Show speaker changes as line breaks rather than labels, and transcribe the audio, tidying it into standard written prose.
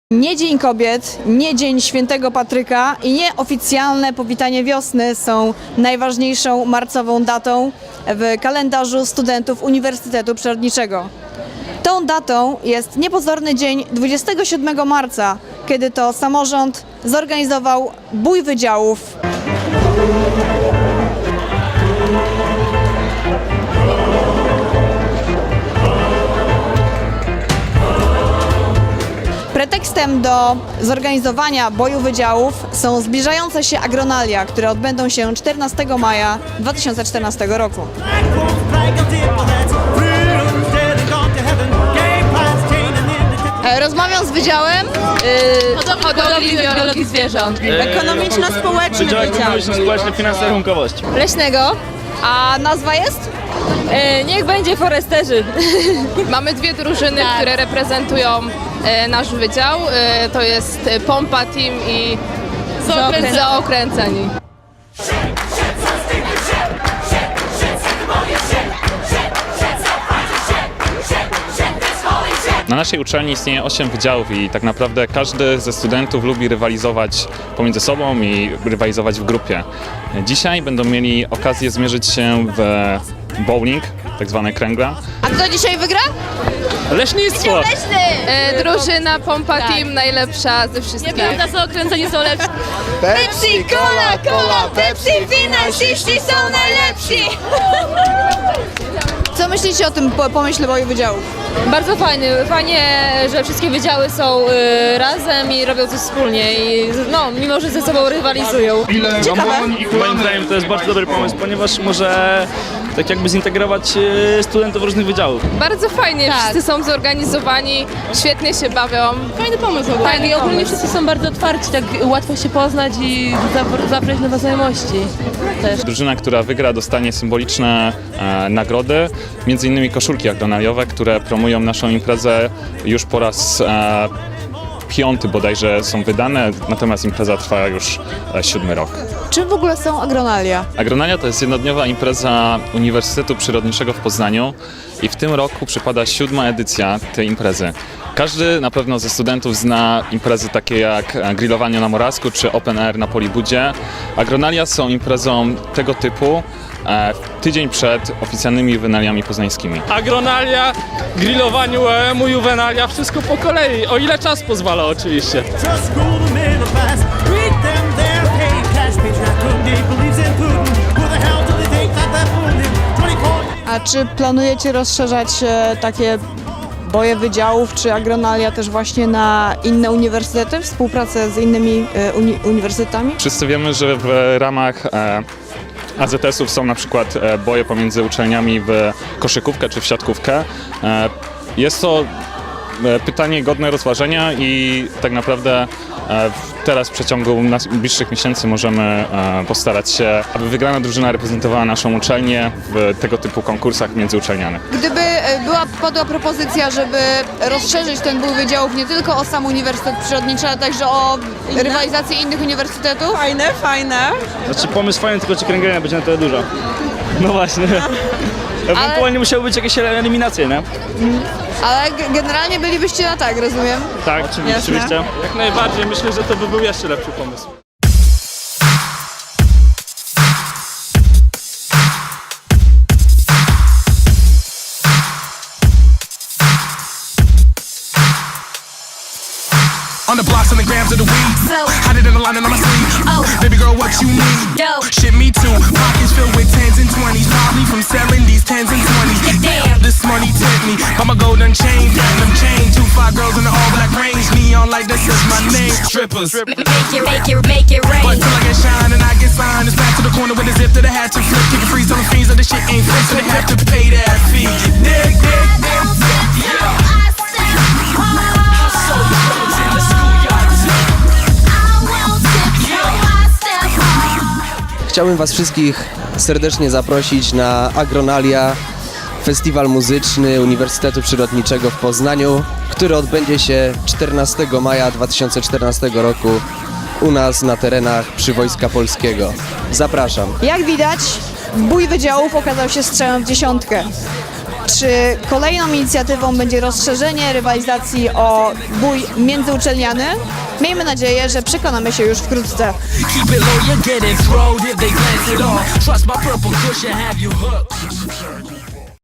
Nie Dzień Kobiet, nie Dzień Świętego Patryka i nie oficjalne powitanie wiosny są najważniejszą marcową datą w kalendarzu studentów Uniwersytetu Przyrodniczego. Tą datą jest niepozorny dzień 27 marca, kiedy to samorząd zorganizował bój wydziałów. Pretekstem do zorganizowania boju wydziałów są zbliżające się agronalia, które odbędą się 14 maja 2014 roku. Rozmawiam z Wydziałem
Hodowli i biologii zwierząt.
Ekonomiczno-Społeczny
Wydział
Wydział
Ekonomiczno-Społeczny, Finanse, Rachunkowość.
Leśnego.
A nazwa jest?
Niech będzie foresterzy. Mamy dwie drużyny, które reprezentują nasz wydział. To jest Pompa Team i Zaokręceni.
Na naszej uczelni istnieje 8 wydziałów i tak naprawdę każdy ze studentów lubi rywalizować pomiędzy sobą i rywalizować w grupie. Dzisiaj będą mieli okazję zmierzyć się w bowling, tak zwane kręgla.
A kto dzisiaj wygra?
Leśnictwo!
Drużyna Pompa Team najlepsza ze wszystkich.
Nieprawda, Zaokręceni są lepsi.
Pepsi, Cola, Pepsi, finansiści są najlepsi! Co myślicie o tym pomyśle boju wydziałów?
Bardzo fajnie, że wszystkie wydziały są razem i robią coś wspólnie i mimo, że ze sobą rywalizują.
Ciekawe.
Moim zdaniem to jest bardzo dobry pomysł, ponieważ może tak jakby zintegrować studentów różnych wydziałów.
Bardzo fajnie, wszyscy są zorganizowani, świetnie się bawią.
Fajny pomysł w ogóle.
Fajny
Tak, i ogólnie
pomysł.
wszyscy są bardzo otwarci, tak łatwo się poznać i zabrać nowe znajomości też.
Drużyna, która wygra, dostanie symboliczne nagrody, między innymi koszulki agronaliowe, które promują naszą imprezę już po raz 5. bodajże są wydane, natomiast impreza trwa już 7. rok.
Czym w ogóle są agronalia?
Agronalia to jest jednodniowa impreza Uniwersytetu Przyrodniczego w Poznaniu i w tym roku przypada 7. edycja tej imprezy. Każdy na pewno ze studentów zna imprezy takie jak grillowanie na Morawsku czy open air na Polibudzie. Agronalia są imprezą tego typu tydzień przed oficjalnymi juwenaliami poznańskimi.
Agronalia, grillowaniu OEM-u, juwenalia, wszystko po kolei, o ile czas pozwala oczywiście.
Just school the middle class, read them their pay cash patriarch Day believes in Putin. Who the hell do they think that fooled him? 24
A czy planujecie rozszerzać takie boje wydziałów czy agronalia też właśnie na inne uniwersytety, współpracę z innymi uniwersytetami?
Wszyscy wiemy, że w ramach AZS-ów są na przykład boje pomiędzy uczelniami w koszykówkę czy w siatkówkę. Jest to pytanie godne rozważenia i tak naprawdę teraz w przeciągu najbliższych miesięcy możemy postarać się, aby wygrana drużyna reprezentowała naszą uczelnię w tego typu konkursach międzyuczelnianych.
Gdyby padła propozycja, żeby rozszerzyć ten bój wydziałów nie tylko o sam Uniwersytet Przyrodniczy, ale także o rywalizację innych uniwersytetów? Fajne.
Znaczy pomysł fajny, tylko czy kręgielnia będzie na tyle duża. No właśnie. Ewentualnie musiały być jakieś eliminacje, nie?
Ale generalnie bylibyście na tak, rozumiem?
Tak, oczywiście.
Jak najbardziej, myślę, że to by był jeszcze lepszy pomysł.
On the blocks, on the grams of the weed. Hide it in the line and on my sleeve. Baby girl, what you need? Shit, me too. Pockets filled with 10s and 20s. Probably from selling these 10s and 20s. Damn, this money tempt me. Got my golden chain, platinum chain. 2 5 girls in the all black range. Neon like this is my name. Strippers.
Make it rain.
But till I get shine and I get signed. It's back to the corner with a zip to the hat to flip. Kicking freeze on the fiends of the shit ain't fit. So they have to pay that fee. Dig.
Chciałbym Was wszystkich serdecznie zaprosić na Agronalia, festiwal muzyczny Uniwersytetu Przyrodniczego w Poznaniu, który odbędzie się 14 maja 2014 roku u nas na terenach Przywojska Polskiego. Zapraszam.
Jak widać, bój wydziałów okazał się strzałem w dziesiątkę. Czy kolejną inicjatywą będzie rozszerzenie rywalizacji o bój międzyuczelniany? Miejmy nadzieję, że przekonamy się już wkrótce.
Keep it low, you're getting throwed if they glance at all. Trust my purple cushion, have you hooked.